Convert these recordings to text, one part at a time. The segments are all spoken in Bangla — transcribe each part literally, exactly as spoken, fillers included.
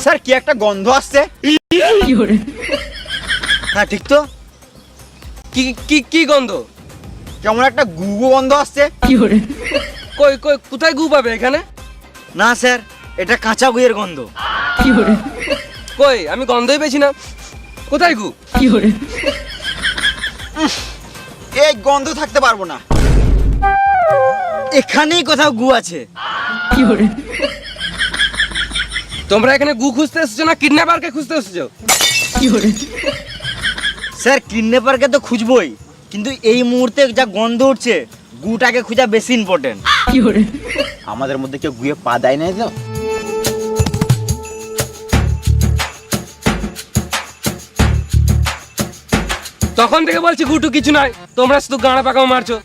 স্যার কি একটা গন্ধ আসছে। হ্যাঁ ঠিক তো, কি কি কি গন্ধ? কেমন একটা গু গু গন্ধ আসছে। কই কই কোথায় গু পাবে এখানে? না স্যার, এটা কাঁচা গুয়ের গন্ধ। কই আমি গন্ধই পেয়েছি না, কোথায় গু? এই গন্ধ থাকতে পারবো না, এখানেই কোথাও গু আছে। তোমরা এখানে গু খুঁজতে এসেছো না কিডন্যাপারকে খুঁজতে এসেছো? স্যার কিডন্যাপারকে তো খুঁজবই, কিন্তু এই মুহূর্তে যা গন্ধ উঠছে গুটাকে খোঁজা বেশি ইম্পর্টেন্ট। আমাদের মধ্যে কেউ গুয়ে পা দেয় নাই তো? তখন থেকে বলছি গুটু কিছু নাই, তোমরা শুধু গাঁড়া পাকাও মারছো।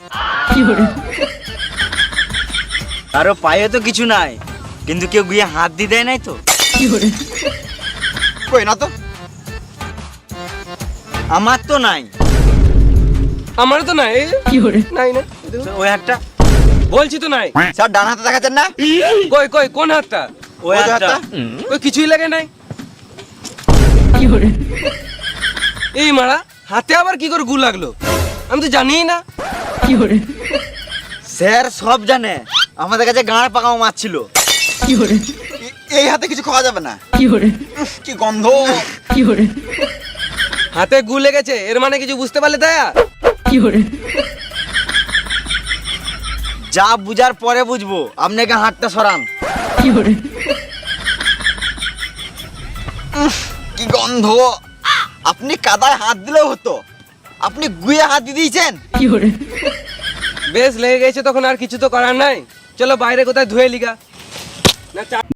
কারো পায়ে তো কিছু নাই, কিন্তু কেউ গুয়ে হাত দিয়ে দেয় নাই তো? কই না তো, আমার তো নাই। আমারও তো নাই। নাই না, ওই হাতটা বলছি তো নাই। স্যার ডান হাতে দেখাচ্ছেন না? কই কই কোন হাতটা? ওই হাতটা। কই কিছুই লাগে নাই। এই মারা হাতে আবার কি করে গু লাগলো, আমি তো জানিই না। স্যার সব জানে, আমাদের কাছে গাঁড় পাকাও মাছ ছিল। এই হাতে কিছু খাওয়া যাবে না। কি গন্ধ। হাতে গু লেগেছে এর মানে কিছু বুঝতে পারলে দয়া? যা বুঝার পরে বুঝবো, আপনাকে হাতটা সরান। উফ, কি গন্ধ। আপনি কাদায় হাত দিলেও হতো, আপনি গুয়ে হাত দিয়ে দিয়েছেন। বেশ লেগে গেছে তখন আর কিছু তো করার নাই, চলো বাইরে কোথায় ধুয়ে লিগা না।